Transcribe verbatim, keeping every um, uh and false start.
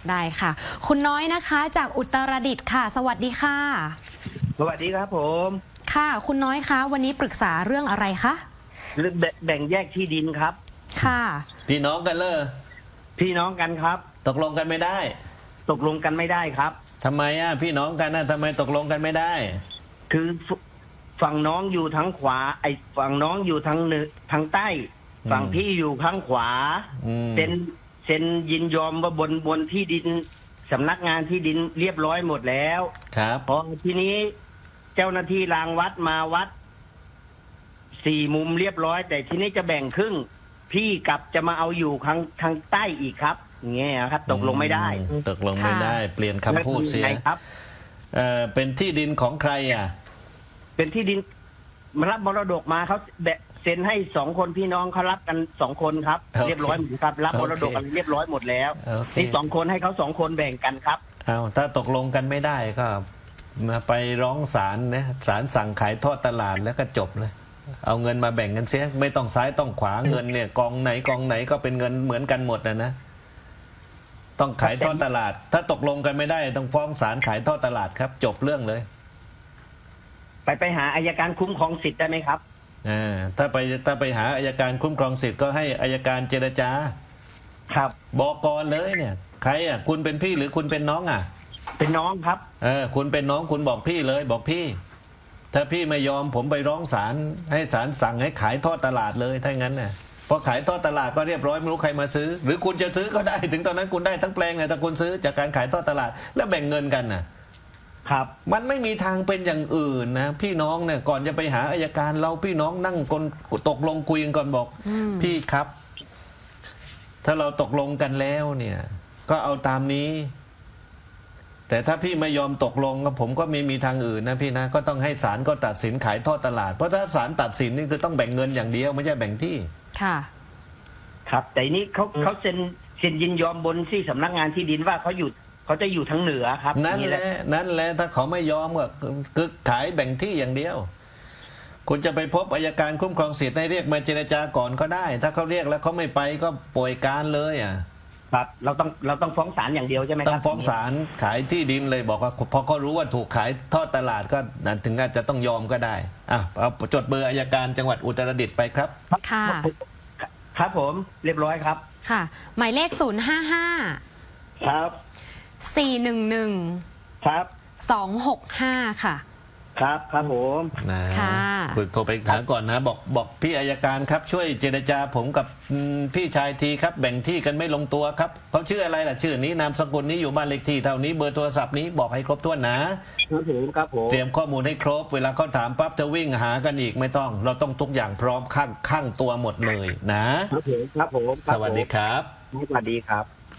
ได้ค่ะ คุณน้อยนะคะจากอุตรดิตถ์ค่ะสวัสดีค่ะสวัสดีครับผมค่ะคุณน้อยคะวันนี้ปรึกษาเรื่องอะไรคะเรื่องแบ่งแยกที่ดินครับค่ะพี่น้องกันเลยพี่น้องกันครับตกลงกันไม่ได้ตกลงกันไม่ได้ครับทำไมอ่ะพี่น้องกันนะทำไมตกลงกันไม่ได้คือฝั่งน้องอยู่ทางขวาไอ้ฝั่งน้องอยู่ทางเหนือทางใต้ฝั่งพี่อยู่ข้างขวาเซ็นเซ็นยินยอมว่าบนบนที่ดินสำนักงานที่ดินเรียบร้อยหมดแล้วครับพอทีนี้เจ้าหน้าที่รางวัดมาวัดสี่มุมเรียบร้อยแต่ทีนี้จะแบ่งครึ่งพี่กลับจะมาเอาอยู่ทางทางใต้อีกครับเงี้ยครับตกลงไม่ได้ตกลงไม่ได้เปลี่ยนคำพูดเสียครับเอ่อเป็นที่ดินของใครอ่ะเป็นที่ดินมารับมรดกมาเขาแบะเซ็นให้สองคนพี่น้องเขารับกันสองคนครับเรียบร้อยหมดครับรับมรดกกันเรียบร้อยหมดแล้วนี่สองคนให้เขาสองคนแบ่งกันครับเอาถ้าตกลงกันไม่ได้ก็มาไปร้องศาลนะศาลสั่งขายทอดตลาดแล้วก็จบเลยเอาเงินมาแบ่งกันเสียไม่ต้องซ้ายต้องขวาเงินเนี่ยกองไหนกองไหนก็เป็นเงินเหมือนกันหมดนะนะต้องขายทอดตลาดถ้าตกลงกันไม่ได้ต้องฟ้องศาลขายทอดตลาดครับจบเรื่องเลยไปไปหาอัยการคุ้มครองสิทธิ์ได้ไหมครับอ่าถ้าไปถ้าไปหาอัยการคุ้มครองสิทธิ์ก็ให้อัยการเจรจาครับบอกก่อนเลยเนี่ยใครอ่ะคุณเป็นพี่หรือคุณเป็นน้องอ่ะเป็นน้องครับเออคุณเป็นน้องคุณบอกพี่เลยบอกพี่ถ้าพี่ไม่ยอมผมไปร้องศาลให้ศาลสั่งให้ขายทอดตลาดเลยถ้างั้นน่ะพอขายทอดตลาดก็เรียบร้อยไม่รู้ใครมาซื้อหรือคุณจะซื้อก็ได้ถึงตอนนั้นคุณได้ทั้งแปลงไงถ้าคุณซื้อจากการขายทอดตลาดแล้วแบ่งเงินกันน่ะครับมันไม่มีทางเป็นอย่างอื่นนะพี่น้องเนี่ยก่อนจะไปหาอัยการเราพี่น้องนั่งคนตกลงคุยกันก่อนบอกพี่ครับถ้าเราตกลงกันแล้วเนี่ยก็เอาตามนี้แต่ถ้าพี่ไม่ยอมตกลงผมก็ไม่มีทางอื่นนะพี่นะก็ต้องให้ศาลก็ตัดสินขายทอดตลาดเพราะถ้าศาลตัดสินนี่คือต้องแบ่งเงินอย่างเดียวไม่ใช่แบ่งที่ค่ะครับแต่นี้เขาเขาเซ็นเซ็นยินยอมบนที่สำนักงานที่ดินว่าเขาอยู่เขาจะอยู่ทางเหนือครับนั่นแหละนั่นแหละถ้าเขาไม่ยอมก็คือขายแบ่งที่อย่างเดียวคุณจะไปพบอัยการคุ้มครองสิทธิ์ให้เรียกมาเจรจาก่อนก็ได้ถ้าเขาเรียกแล้วเขาไม่ไปก็ป่วยการเลยอ่ะครับเราต้องเราต้องฟ้องศาลอย่างเดียวใช่ไหมครับต้องฟ้องศาลขายที่ดินเลยบอกว่าพอเขารู้ว่าถูกขายทอดตลาดก็นั่นถึงอาจจะต้องยอมก็ได้อ่ะเอาจดเบอร์อัยการจังหวัดอุตรดิตถ์ไปครับค่ะครับผมเรียบร้อยครับค่ะหมายเลขศูนย์ห้าห้าครับสี่หนึ่งหนึ่งครับสองหกห้าค่ะครับครับผมนะคุณโทรไปถามก่อนนะบอกบอกพี่อัยการครับช่วยเจรจาผมกับพี่ชายทีครับแบ่งที่กันไม่ลงตัวครับเขาชื่ออะไรล่ะชื่อนี้นามสกุลนี้อยู่บ้านเลขที่เท่านี้เบอร์โทรศัพท์นี้บอกให้ครบถ้วนนะครับผมครับผมเตรียมข้อมูลให้ครบเวลาเขาถามปั๊บจะวิ่งหากันอีกไม่ต้องเราต้องทุกอย่างพร้อมข้างข้างตัวหมดเลยนะครับผมครับผมสวัสดีครับสวัสดีครับ